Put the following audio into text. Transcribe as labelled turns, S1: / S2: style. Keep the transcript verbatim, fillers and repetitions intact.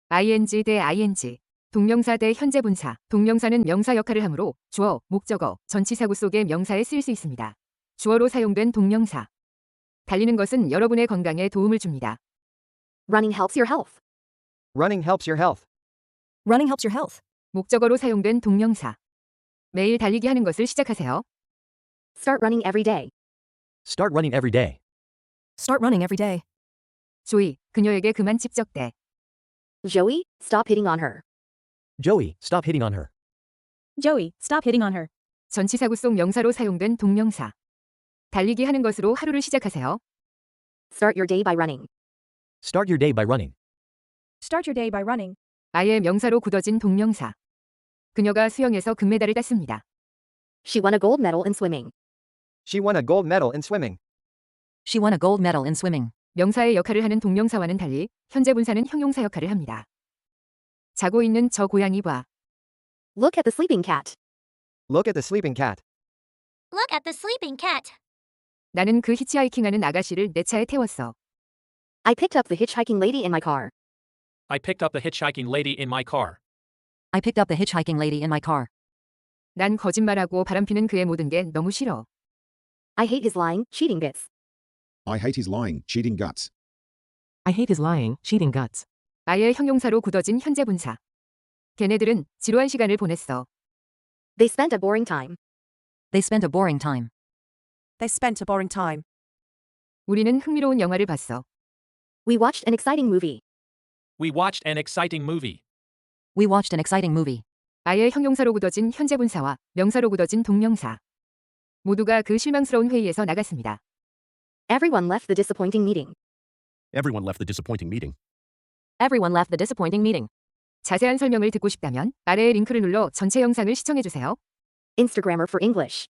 S1: ing 대 ing. 동명사 대 현재 분사. 동명사는 명사 역할을 하므로 주어, 목적어, 전치사구 속의 명사에 쓰일 수 있습니다. 주어로 사용된 동명사. 달리는 것은 여러분의 건강에 도움을 줍니다.
S2: Running helps your health.
S3: Running helps your health.
S2: Running helps your health.
S1: 목적어로 사용된 동명사. 매일 달리기 하는 것을 시작하세요.
S2: Start running every day.
S3: Start running every day.
S2: Start running every day.
S1: 조이, 그녀에게 그만 찝적대.
S2: Joey, stop hitting on her.
S3: Joey, stop hitting on her.
S2: Joey, stop hitting on her.
S1: 전치사구 속 명사로 사용된 동명사. 달리기 하는 것으로 하루를 시작하세요.
S2: Start your day by running.
S3: Start your day by running.
S2: Start your day by running.
S1: 아예 명사로 굳어진 동명사. 그녀가 수영에서 금메달을 땄습니다.
S2: She won a gold medal in swimming.
S3: She won a gold medal in swimming.
S2: She won a gold medal in swimming.
S1: 명사의 역할을 하는 동명사와는 달리 현재 분사는 형용사 역할을 합니다. 자고 있는 저 고양이 봐.
S2: Look at the sleeping cat.
S3: Look at the sleeping cat.
S4: Look at the sleeping cat.
S1: 나는 그 히치하이킹하는 아가씨를 내 차에 태웠어.
S2: I picked up the hitchhiking lady in my car.
S5: I picked up the hitchhiking lady in my car.
S2: I picked up the hitchhiking lady in my car.
S1: 난 거짓말하고 바람피는 그의 모든 게 너무 싫어.
S2: I hate his lying, cheating bits.
S6: I hate his lying, cheating guts.
S7: I hate his lying, cheating guts.
S1: 아예 형용사로 굳어진 현재 분사. 걔네들은 지루한 시간을 보냈어.
S2: They spent a boring time.
S8: They spent a boring time.
S9: They spent a boring time.
S1: 우리는 흥미로운 영화를 봤어.
S2: We watched an exciting movie.
S5: We watched an exciting movie.
S8: We watched an exciting movie.
S1: 아예 형용사로 굳어진 현재 분사와 명사로 굳어진 동명사. 모두가 그 실망스러운 회의에서 나갔습니다.
S2: Everyone left the disappointing meeting.
S6: Everyone left the disappointing meeting.
S8: Everyone left the disappointing meeting.
S1: 자세한 설명을 듣고 싶다면 아래의 링크를 눌러 전체 영상을 시청해주세요.
S2: Instagrammer for English.